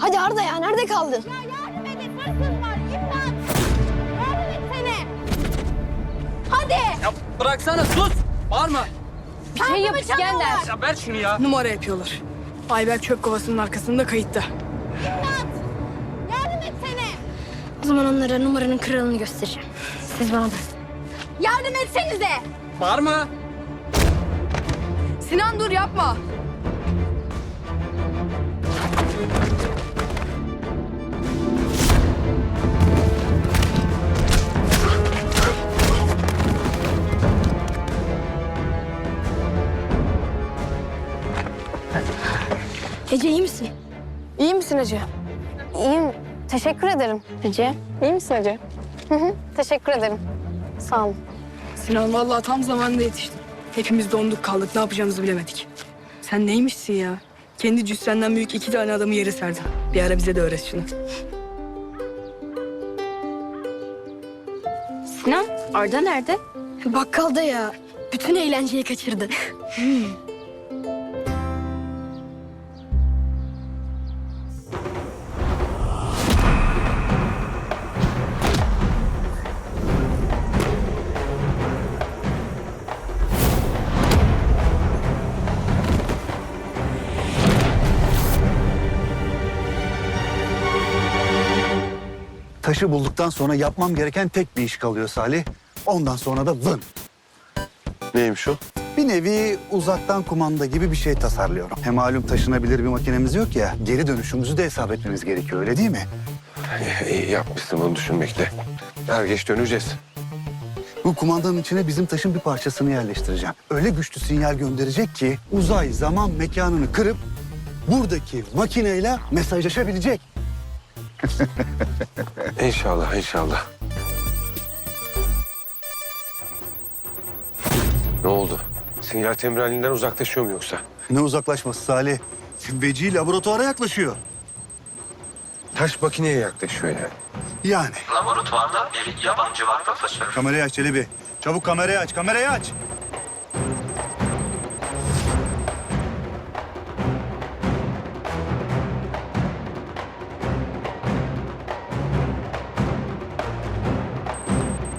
Hadi Arda ya, nerede kaldın? Ya yardım edin, hırsız var. İmdat! Yardım etsene. Hadi! Ya bıraksana, sus! Bağırma! Bir şey yap İskender. Ya ver şunu ya! Numara yapıyorlar. Ayber çöp kovasının arkasında kayıtta. İmdat! Yardım etsene. O zaman onlara numaranın kralını göstereceğim. Siz bana bırakın. Yardım etsenize. Bağırma! Sinan dur yapma. Ece iyi misin? İyi misin Ece? İyiyim. Teşekkür ederim Ece. İyi misin Ece? Teşekkür ederim. Sağ olun. Sinan vallahi tam zamanında yetiştin. Hepimiz donduk kaldık. Ne yapacağımızı bilemedik. Sen neymişsin ya? Kendi cüssenden büyük 2 tane adamı yere serdin. Bir ara bize de öğret şunu. Sinan, Arda nerede? Bakkalda ya. Bütün eğlenceyi kaçırdı. Taşı bulduktan sonra yapmam gereken tek bir iş kalıyor Salih. Ondan sonra da vın. Neymiş o? Bir nevi uzaktan kumanda gibi bir şey tasarlıyorum. Hem malum taşınabilir bir makinemiz yok ya. Geri dönüşümüzü de hesap etmemiz gerekiyor, öyle değil mi? İyi yapmışsın bunu düşünmekle. Er geç döneceğiz. Bu kumandanın içine bizim taşın bir parçasını yerleştireceğim. Öyle güçlü sinyal gönderecek ki uzay zaman mekanını kırıp buradaki makineyle mesajlaşabilecek. İnşallah, inşallah. Ne oldu? Sinyal temralinden uzaklaşıyor mu yoksa? Ne uzaklaşması Salih? Veci laboratuvara yaklaşıyor. Taş makineye yaklaşıyor yani. Yani. Laboratuvarda bir yabancı var profesör. Kamerayı aç Çelebi. Çabuk kamerayı aç, kamerayı aç.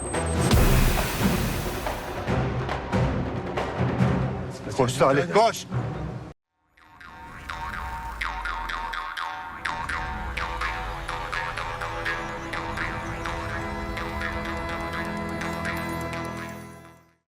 Koş Salih, koş.